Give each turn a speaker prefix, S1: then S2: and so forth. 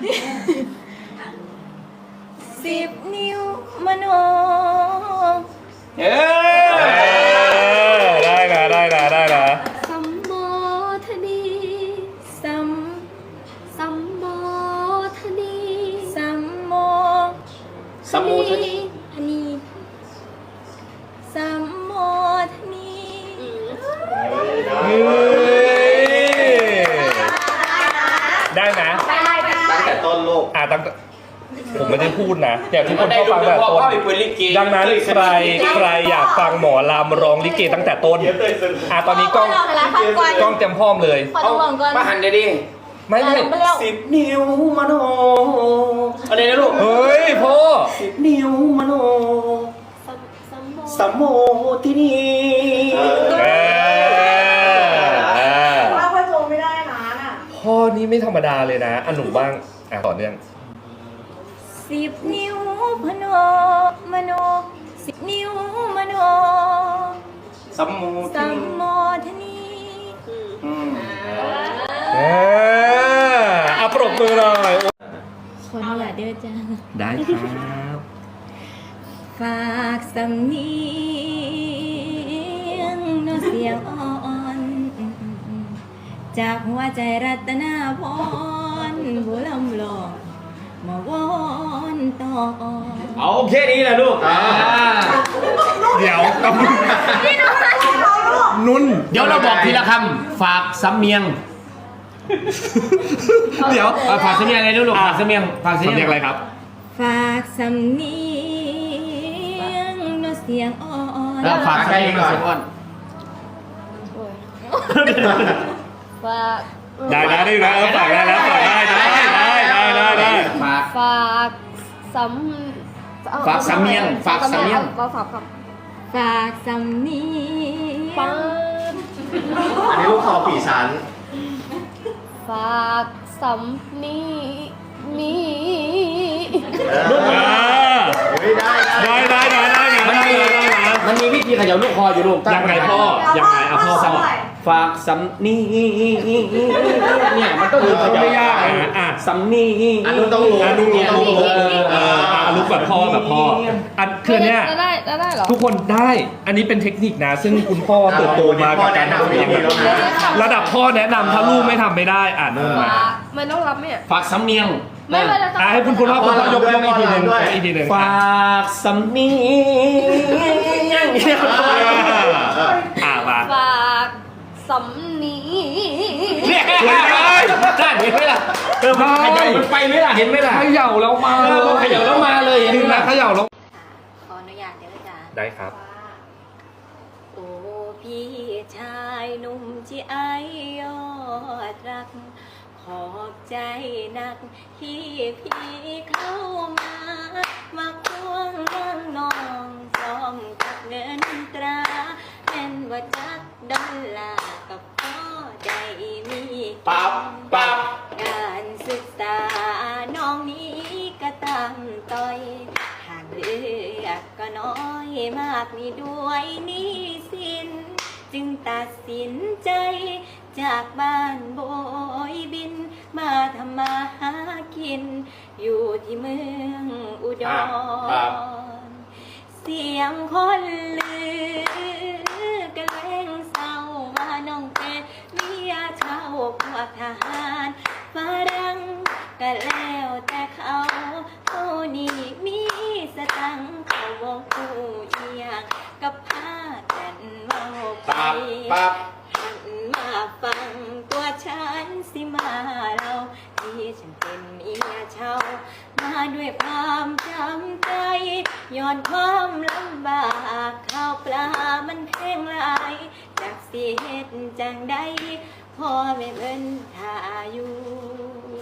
S1: 10 นิ้วมโน
S2: ได้นะ
S1: สัมโมทนีสัมโมทนีสัมโมทนีสัมโมทนี
S2: ได้นะ
S3: ตั้งแต่ต้นโลก
S2: ตั้งผมไม่ได้พูดนะแต่ทุกคนก็ฟังแต่ต้นดังนั้นใครอยากฟังหมอลำร้องลิเกตั้งแต่ต้นตอนนี้กล้องเต็มพร้อมเลย
S3: มาหันเดี๋ยวดิ
S2: ไม่
S3: 10 นิ้วมโนอะไรนะลูก
S2: เฮ้ยพ่อ
S3: 10 นิ้วมโนสัมโมทินี
S4: ว่าพ่อโจไม่ได้นะ
S2: พ่อนี่ไม่ธรรมดาเลยนะหนูบ้างต่อเนื่อง
S1: 10 นิ้วมโน10 นิ้วมโน
S3: สัมโม
S1: ทนี
S2: ปรบมือหน่อย
S1: ขออนุญาตเด้อจ้า
S2: ได้ครับ
S1: ฝากสำเนียงโน้เสียงอ่อนจากหัวใจรัตนาพรบุลำหลอกมาวอนต่อ
S3: เอาแค่นี้แหละลูก
S2: เดี๋ยวนุ่น
S3: เดี๋ยวเราบอกทีละคำฝากสำเนียง
S2: เดี๋ยว
S3: ฝากสำเนียงอะไรลูกฝากสำเนียง
S2: อะไรครับ
S1: ฝากสำเนียงโน้เสียงอ่อน
S3: แล้วฝากสำเนียงโน้เสียงอ่อน
S1: ฝาก
S2: ได้ฝากได้แล้วฝากได้
S1: ฝาก
S3: สำเนียง
S1: ก็ฝากสำเนียง
S3: อันนี้ลูกคอปีฉัน
S1: ฝากสำเนี
S3: ลูกได้มันมีวิธีเขย่าลูกคออยู่ลูก
S2: ยังไงพ่อ
S3: ฝากสำนีเนี่ยมันต้อง
S2: ไม่ยาก
S3: สำนี
S2: นุ่นต้องรู้ลูกแบบพ่อคือเนี้ยทุกคนได้อันนี้เป็นเทคนิคนะซึ่งคุณพ่อเติบโตมากับการทำเพลงระดับพ่อแนะนำถ้าลูกไม่ทำไม่ได้นุ่นมา
S1: มันต้องรับไหม
S3: ฝากสำเนียง
S1: ไม่
S2: ให้คุณพ่อยกอีกทีหนึ่ง
S3: ฝากสำเนียง
S1: ฝากสำนี
S3: ได้เห็นไหมล่ะขยับมันไปไหมล่ะเห็นไหมล่ะ
S2: ขย่าแล้วมา
S3: เลยเห็นไหม
S2: ขย่าแล้ว
S1: ขออนุญาตเดี๋ยวจ้า
S2: ได้ครับ
S1: โอ้พี่ชายหนุ่มที่ไอยอดรักขอบใจนักที่พี่เข้ามาควงเรื่องน้องซ้อมกับเงินตราเป็นว่าจักดอลลาร์กับพ่อได้มีการศึกษาน้องนี้ก็ตามต่อยหากเลือกก็น้อยมากนี่ด้วยนี้สินจึงตัดสินใจจากบ้านโบยบินมาทำมาหากินอยู่ที่เมืองอุดรเสียงคนลือกันแรงเศร้าว่าน้องเป็นเมียชาวพวกทหารฝรั่งก็แล้วแต่เขานี่มีสตังค์เขาบอกกูเอียงกับพากันเมาไปหันมาฟังตัวฉันสิมาเราที่ฉันเป็นเมียเช่ามาด้วยความจำใจย้อนความลำบากข้าวปลามันแพงหลายจากสิเหตุจังใดพ่อแม่เพิ่นท่าอยู่